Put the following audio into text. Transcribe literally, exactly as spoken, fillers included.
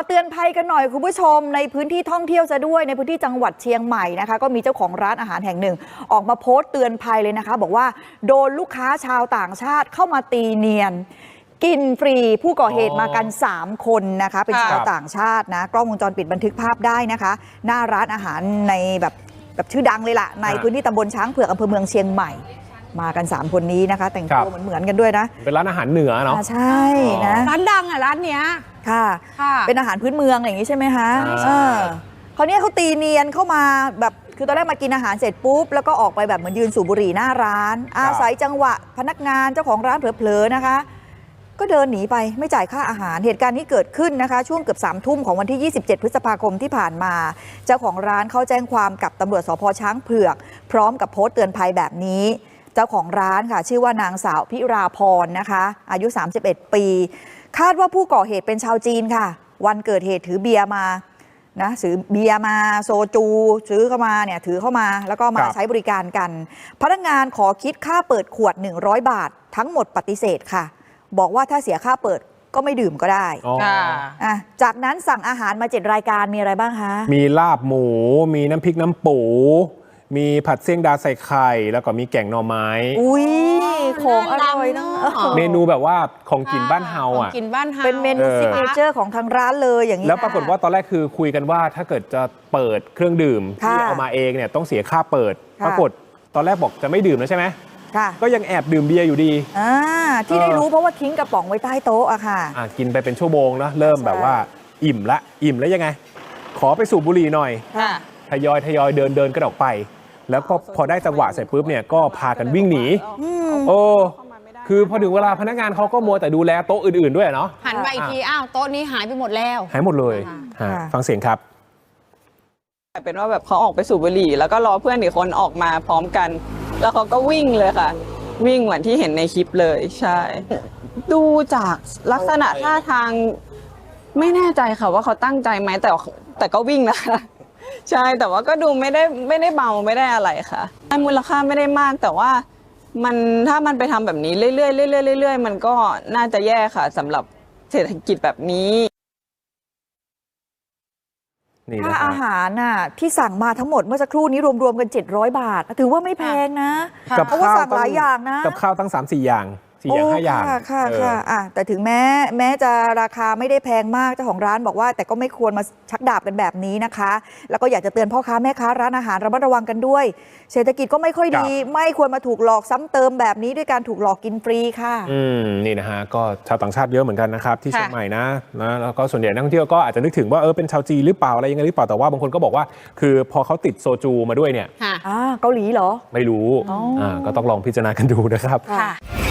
เตือนภัยกันหน่อยคุณผู้ชมในพื้นที่ท่องเที่ยวจะด้วยในพื้นที่จังหวัดเชียงใหม่นะคะก็มีเจ้าของร้านอาหารแห่งหนึ่งออกมาโพสต์เตือนภัยเลยนะคะบอกว่าโดนลูกค้าชาวต่างชาติเข้ามาตีเนียนกินฟรีผู้ก่อเหตุมากันสามคนนะคะเป็นชาวต่างชาตินะกล้องวงจรปิดบันทึกภาพได้นะคะหน้าร้านอาหารในแบบแบบชื่อดังเลยล่ะในพื้นที่ตำบลช้างเผือกอำเภอเมืองเชียงใหม่มากันสามคนนี้นะคะแต่งตัวเหมือนๆกันด้วยนะเป็นร้านอาหารเหนือเนาะใช่นะร้านดังอ่ะร้านเนี้ยค่ะเป็นอาหารพื้นเมืองอย่างนี้ใช่ไหมคะเออเขาเนี้ยเขาตีเนียนเข้ามาแบบคือตอนแรกมากินอาหารเสร็จปุ๊บแล้วก็ออกไปแบบเหมือนยืนสูบบุหรี่หน้าร้านอาศัยจังหวะพนักงานเจ้าของร้านเผลอๆนะคะก็เดินหนีไปไม่จ่ายค่าอาหารเหตุการณ์นี้เกิดขึ้นนะคะช่วงเกือบสามทุ่มของวันที่ยี่สิบเจ็ดพฤษภาคมที่ผ่านมาเจ้าของร้านเขาแจ้งความกับตำรวจสภ.ช้างเผือกพร้อมกับโพสต์เตือนภัยแบบนี้เจ้าของร้านค่ะชื่อว่านางสาวพิราพรนะคะอายุสามสิบเอ็ดปีคาดว่าผู้ก่อเหตุเป็นชาวจีนค่ะวันเกิดเหตุถือเบียร์มานะซื้อเบียร์มาโซจูซื้อเข้ามาเนี่ยถือเข้ามาแล้วก็มาใช้บริการกันพนักงานขอคิดค่าเปิดขวดหนึ่งร้อยบาททั้งหมดปฏิเสธค่ะบอกว่าถ้าเสียค่าเปิดก็ไม่ดื่มก็ได้อ่ะจากนั้นสั่งอาหารมาเจ็ดรายการมีอะไรบ้างคะมีลาบหมูมีน้ำพริกน้ำปูมีผัดเสี่ยงดาใส่ไข่แล้วก็มีแกงหน่อไม้อุ้ยของอร่อยนะเมนูแบบว่าของกินบ้านเฮาอ่ะกินบ้านเฮาเป็นเมนูซิกเนเจอร์ของทางร้านเลยอย่างนี้แล้วปรากฏว่าตอนแรกคือคุยกันว่าถ้าเกิดจะเปิดเครื่องดื่มที่เอามาเองเนี่ยต้องเสียค่าเปิดปรากฏตอนแรกบอกจะไม่ดื่มแล้วใช่ไหมก็ยังแอบดื่มเบียร์อยู่ดีอ่าที่ได้รู้เพราะว่าทิ้งกระป๋องไว้ใต้โต๊ะอะค่ะอ่ากินไปเป็นชั่วโมงแล้วเริ่มแบบว่าอิ่มละอิ่มแล้วยังไงขอไปสูบบุหรี่หน่อยทยอยทยอยเดินเดินกันออกไปแล้วก็พอได้จังหวะเสร็จปุ๊บเนี่ยก็พากันวิ่งหนีโอ้คือพอถึงเวลาพนักงานเขาก็มัวแต่ดูแลโต๊ะอื่นๆด้วยเนาะหันไปอีกทีอ้าวโต๊ะนี้หายไปหมดแล้วหายหมดเลยฟังเสียงครับเป็นว่าแบบเขาออกไปสูบบุหรี่แล้วก็รอเพื่อนอีกคนออกมาพร้อมกันแล้วเขาก็วิ่งเลยค่ะวิ่งเหมือนที่เห็นในคลิปเลยใช่ดูจากลักษณะท่าทางไม่แน่ใจค่ะว่าเขาตั้งใจไหมแต่แต่ก็วิ่งนะคะใช่แต่ว่าก็ดูไม่ได้ไม่ได้เมาไม่ได้อะไรค่ะมูลค่าไม่ได้มากแต่ว่ามันถ้ามันไปทำแบบนี้เรื่อยๆเรื่อยๆเรื่อยๆมันก็น่าจะแย่ค่ะสำหรับเศรษฐกิจแบบนี้ค่าอาหารน่ะที่สั่งมาทั้งหมดเมื่อสักครู่นี้รวมๆกันเจ็ดร้อยบาทถือว่าไม่แพงนะเพราะว่าสั่งหลายอย่างนะกับข้าวตั้ง สามสี่ อย่างสี่อย่างห้าอย่างค่ะค่ะค่ะอ่ะแต่ถึงแม้แม้จะราคาไม่ได้แพงมากเจ้าของร้านบอกว่าแต่ก็ไม่ควรมาชักดาบกันแบบนี้นะคะแล้วก็อยากจะเตือนพ่อค้าแม่ค้าร้านอาหารระมัดระวังกันด้วยเศรษฐกิจก็ไม่ค่อยดีไม่ควรมาถูกหลอกซ้ำเติมแบบนี้ด้วยการถูกหลอกกินฟรีค่ะอืมนี่นะฮะก็ชาวต่างชาติเยอะเหมือนกันนะครับที่เชียงใหม่นะนะแล้วก็ส่วนใหญ่นักท่องเที่ยวก็อาจจะนึกถึงว่าเออเป็นชาวจีนหรือเปล่าอะไรยังไงหรือเปล่าแต่ว่าบางคนก็บอกว่าคือพอเขาติดโซจูมาด้วยเนี่ยเกาหลีเหรอไม่รู้อ่าก็ต้องลองพิจารณากันดูนะครับ